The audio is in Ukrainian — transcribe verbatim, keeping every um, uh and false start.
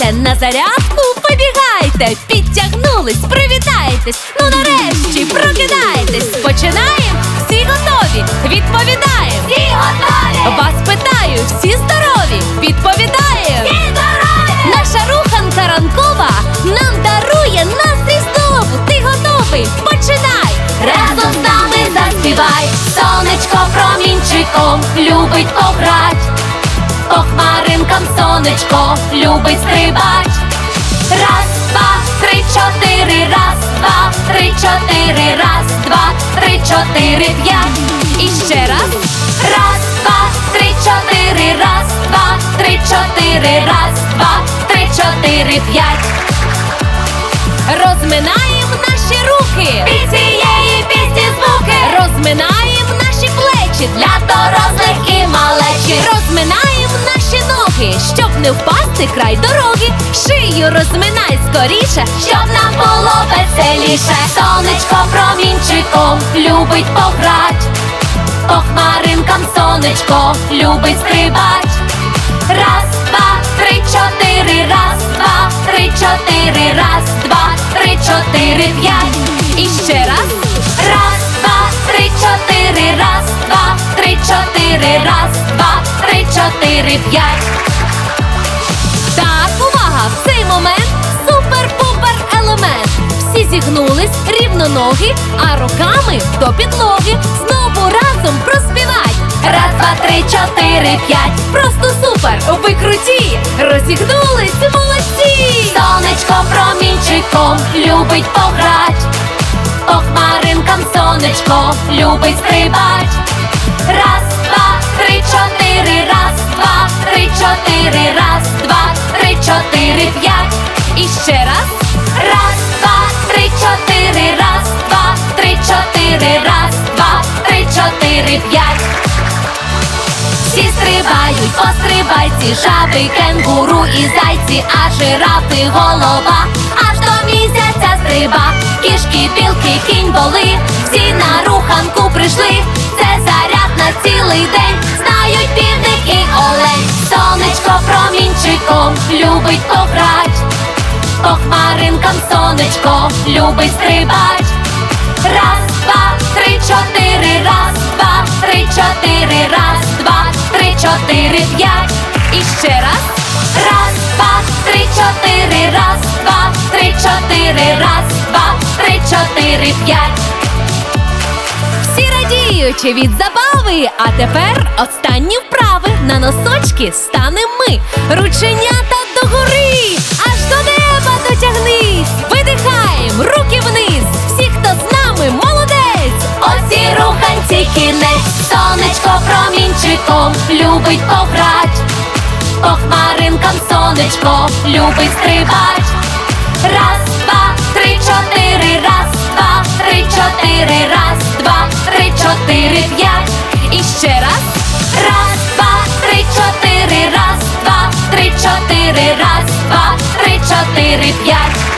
Вставайте на зарядку, побігайте, підтягнулись, привітайтесь. Ну нарешті прокидайтесь. Починаємо, всі готові, відповідаємо. Всі готові! Вас питаю, всі здорові? Відповідаємо. Всі здорові! Наша руханка ранкова нам дарує настрій знову. Ти готовий? Починай! Разом з нами заспівай, сонечко промінчиком любить пограть. По хмаринкам сонечко любить стрибать. Раз, два, три, чотири, раз, два, три, чотири, раз, два, три, чотири, п'ять. І ще раз. Раз, два, три, чотири, раз, два, три, чотири, раз, два, три, чотири, п'ять. Розминаємо наші руки. Під цієї пісні звуки Розминаємо наші плечі для дорослих і малечі. Розминаємо наші ноги, щоб не впасти край дороги. Шию розминай скоріше, Щоб нам було веселіше. Сонечко промінчиком любить пограть. По хмаринкам сонечко любить стрибать. Раз, два, три, чотири, раз, два, три, чотири, раз, два, три, чотири, п'ять. І ще раз. Раз, два, три, чотири, раз, два, три, чотири, раз, два, три, чотири, п'ять. Так, увага! В цей момент супер-пупер елемент. Всі зігнулись, рівно ноги, а руками до підлоги. Знову разом проспівай. Раз, два, три, чотири, п'ять. Просто супер! Ви круті! Розігнулись, молодці! Сонечко промінчиком любить пограть. По хмаринкам сонечко любить стрибать. Раз, два, три, чотири, раз, два, три, чотири, раз, два, три, чотири, п'ять. І ще раз. Раз, два, три, чотири, раз, два, три, чотири, раз, два, три, чотири, п'ять. Всі стрибають, пострибайці, жаби, кенгуру і зайці, а жирафи голова аж до місяця стриба. Кішки, білки, кінь, воли, всі на руханку прийшли. Це заряд на цілий день, знають півник і олень. Сонечко промінчиком любить пограть. По хмаринкам сонечко любить стрибать. Раз, два, три, чотири, раз, два, три, чотири, раз, два, три, чотири, п'ять. І ще раз. Раз, два, три, чотири, раз, два, три, чотири, раз, два, три, чотири, п'ять. Всі радіючи від забави. А тепер останні вправи. На носочки станем ми. Рученята догори, аж до неба дотягнись. Видихаємо, руки вниз. Всі, хто з нами, молодець. Оці руханці кінець. Сонечко промінчиком любить пограть. По хмаринкам сонечко любить стрибать. Раз, два, три, чотири, раз, два, три, чотири, раз, два, три, чотири, п'ять. І ще раз. Раз, два, три, чотири, раз, два, три, чотири, раз, два, три, чотири, п'ять.